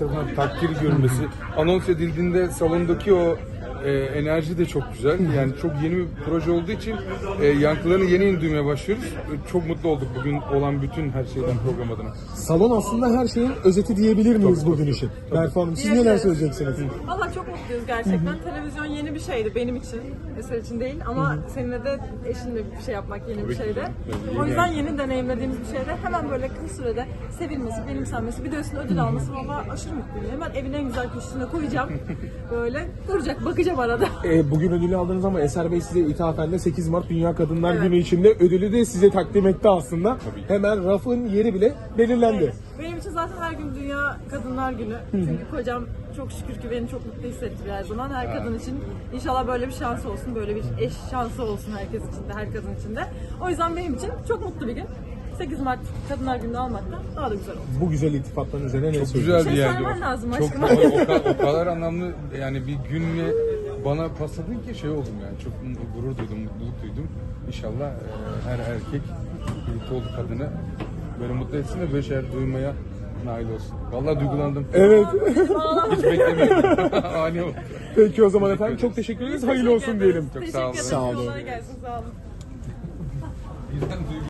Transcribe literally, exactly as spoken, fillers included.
tarafından takdir görülmesi, anons edildiğinde salondaki o e, enerji de çok güzel. Yani çok yeni bir proje olduğu için e, yankılarını yeni yeni duymaya başlıyoruz. E, çok mutlu olduk bugün olan bütün her şeyden program adına. Salon aslında her şeyin özeti diyebilir miyiz Tabii, bugün tabii, için? tabii. Berfu Hanım, siz Diyebiliriz. neler söyleyeceksiniz? Valla çok mutluyuz gerçekten. Televizyon yeni bir şeydi benim için. Eser için değil ama seninle de eşinle bir şey yapmak yeni bir ki. şeydi. Tabii, O yüzden yeni. yeni deneyimlediğimiz bir şeydi. Hemen böyle kısa sürede sevilmesi, benimsenmesi, bir de üstüne ödül alması valla aşırı mutluyum. Hemen evin en güzel köşesine koyacağım. Böyle duracak, bakacağım arada. Ee, bugün ödülü aldınız ama Eser Bey size ithafen de sekiz Mart Dünya Kadınlar Evet. Günü içinde ödülü de size takdim etti aslında. Tabii. Hemen rafın yeri bile belirlendi. Evet. Benim için zaten her gün Dünya Kadınlar Günü. Çünkü kocam çok şükür ki beni çok mutlu hissettiriyor her zaman. Her kadın için inşallah böyle bir şans olsun, böyle bir eş şansı olsun herkes için de, her kadın için de. O yüzden benim için çok mutlu bir gün. sekiz Mart Kadınlar Günü'nü almak da daha da güzel oldu. Bu güzel iltifatların üzerine ne Çok söylüyorsunuz? güzeldi Şey yani. söylemen lazım Çok, aşkım. o, o, kadar, o kadar anlamlı yani bir günle bana pasladın ki şey oldum yani. Çok gurur duydum, mutluluk duydum. İnşallah e, her erkek birlikte olduğu kadını böyle mutlu etsin ve böyle şeyler duymaya nail olsun. Vallahi duygulandım. Evet. Hiç beklemiyordum. Ani oldu. Peki o zaman efendim çok teşekkür ederiz. Hayırlı olsun diyelim. Çok Teşekkür sağ olun. ederim. Sağ olun. Kolay gelsin. Sağ olun. Bizden duygu-